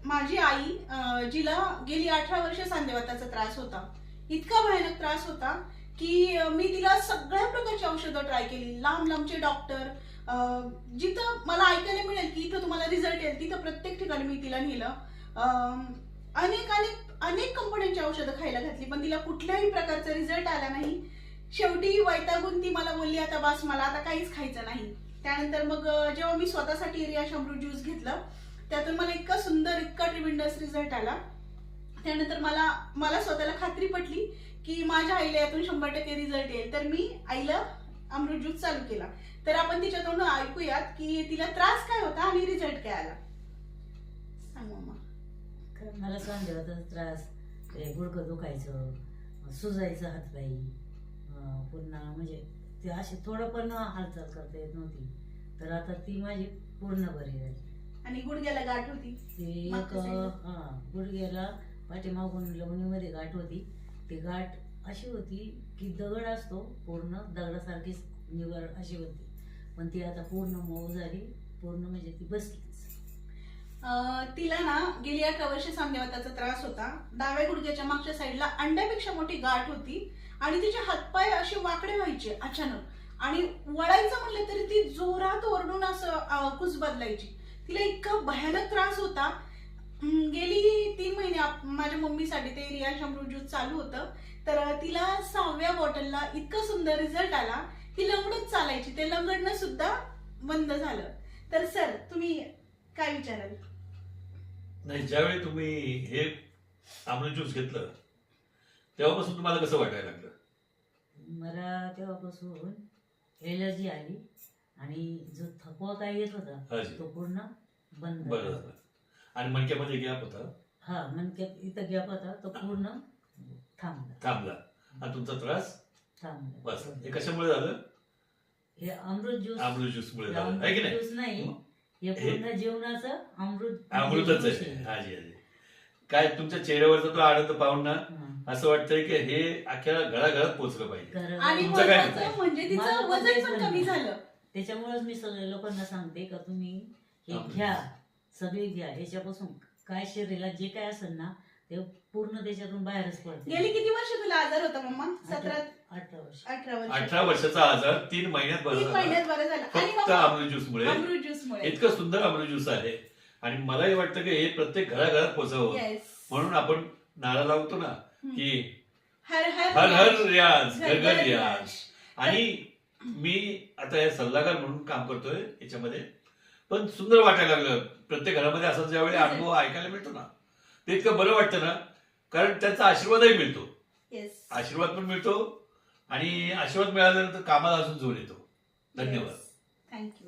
माझी आई जिला गेली 18 वर्ष सांधेवाताचा त्रास होता, इतका भयानक त्रास होता की मी तिला सगळ्या प्रकारची औषधं ट्राय केली. लांब लांबचे डॉक्टर, जिथं मला ऐकायला मिळेल की इथं तुम्हाला रिझल्ट येईल तिथं प्रत्येक ठिकाणी मी तिला नेलं. अनेक अनेक अनेक कंपन्यांची औषधं खायला घातली, पण तिला कुठल्याही प्रकारचा रिझल्ट आला नाही. शेवटी वैतागून ती मला बोलली, आता बस, मला आता काहीच खायचं नाही. त्यानंतर मग जेव्हा मी स्वतःसाठी रियाश अमृत ज्यूस घेतलं, त्यातून मला इतका सुंदर, इतका ट्रिमेंडस रिझल्ट आला. त्यानंतर मला स्वतःला खात्री पटली की माझ्या आईला यातून 100% रिझल्ट येईल. तर मी आईला अमृत ज्यूस चालू केला. तर आपण तिच्या तोंडून ऐकूयात की तिला त्रास काय होता आणि रिझल्ट काय आला. सांग मम्मा. मला सांधेवाताचा त्रास, गुडघं दुखायचं, सुजायचं हातपाई, पुन्हा म्हणजे ते अशी थोडं पण हालचाल करता येत नव्हती. तर आता ती माझी पूर्ण बरी झाली. आणि गुडघ्याला गाठ होती, ती एक गुडघ्याला पाठीमागून लवणीमध्ये गाठ होती. ती गाठ अशी होती की दगड असतो पूर्ण दगडासारखीच निवड अशी होती, पण ती आता पूर्ण मऊ झाली, पूर्ण म्हणजे ती बसलीच. तिला ना गेली 18 वर्ष सांधेवाताचा त्रास होता. डाव्या गुडघ्याच्या मागच्या साईडला अंड्यापेक्षा मोठी गाठ होती आणि तिचे हातपाय असे वाकडे व्हायचे अचानक, आणि वळायचं म्हणलं तरी ती जोरात ओरडून असं कुस बदलायची. तिला इतका भयानक त्रास होता. गेली 3 महिने माझ्या मम्मीसाठी ते रियाश अमृत ज्यूस चालू होतं. तर तिला 6व्या बॉटलला इतका सुंदर रिझल्ट आला. ती लंगडत चालायची, ते लंगडणं सुद्धा बंद झालं. तर सर, तुम्ही काय विचाराल? नाही, ज्यावेळी तुम्ही हे अमृत ज्यूस घेतलं तेव्हापासून तुम्हाला कसं वाटायला लागलं? मला तेव्हापासून एलर्जी आली आणि जो थकवा काय येत होता तो पूर्ण बंद बरं झालं. आणि मणक्यामध्ये गॅप होता? हा, मणक्यात इथं गॅप होता तो पूर्ण थांबला. आणि तुमचा त्रास थांबला. बस. हे कशामुळे झालं? हे अमृत ज्यूस. अमृत ज्यूस मुळे झालं आहे की नाही? ज्यूस नाही, हे पूर्ण जीवनाचं अमृतच आहे. हाजी हाजी. काय तुमच्या चेहऱ्यावरचा तो आनंद पाहून ना असं वाटतंय की हे अख्ख्या घराघरात पोहोचलं पाहिजे. आणि तुमचं काय महत्त्वाचं म्हणजे तिचं वजन पण कमी झालं. त्याच्यामुळेच मी सगळ्या लोकांना सांगते का तुम्ही हे घ्या, सगळे घ्या. ह्याच्यापासून काय शरीराला जे काय असेल ना ते पूर्ण त्याच्यातून बाहेरच पडते. गेली किती वर्ष तुला आजार होता मम्मा? 18 वर्ष. 18 वर्षाचा आजार 3 महिन्यात बरा झाला. 3 महिन्यात बरं झालं. आणि फक्त अमृत ज्यूस मुळे. अमृत ज्यूस मुळे इतकं सुंदर अमृत ज्यूस आहे. आणि मलाही वाटतं की हे प्रत्येक घराघरात पोहोचावं. म्हणून आपण नारा लावतो ना की हर हर हर हर रियाज, घर घर रियाज. आणि मी आता हे सल्लागार म्हणून काम करतोय याच्यामध्ये, पण सुंदर वाटायला लागलं. प्रत्येक घरामध्ये असा ज्यावेळी अनुभव ऐकायला मिळतो ना ते इतकं बरं वाटतं ना, कारण त्यांचा आशीर्वादही मिळतो. आशीर्वाद पण मिळतो आणि आशीर्वाद मिळाल्यानंतर कामाला अजून जोर येतो. धन्यवाद. थँक्यू.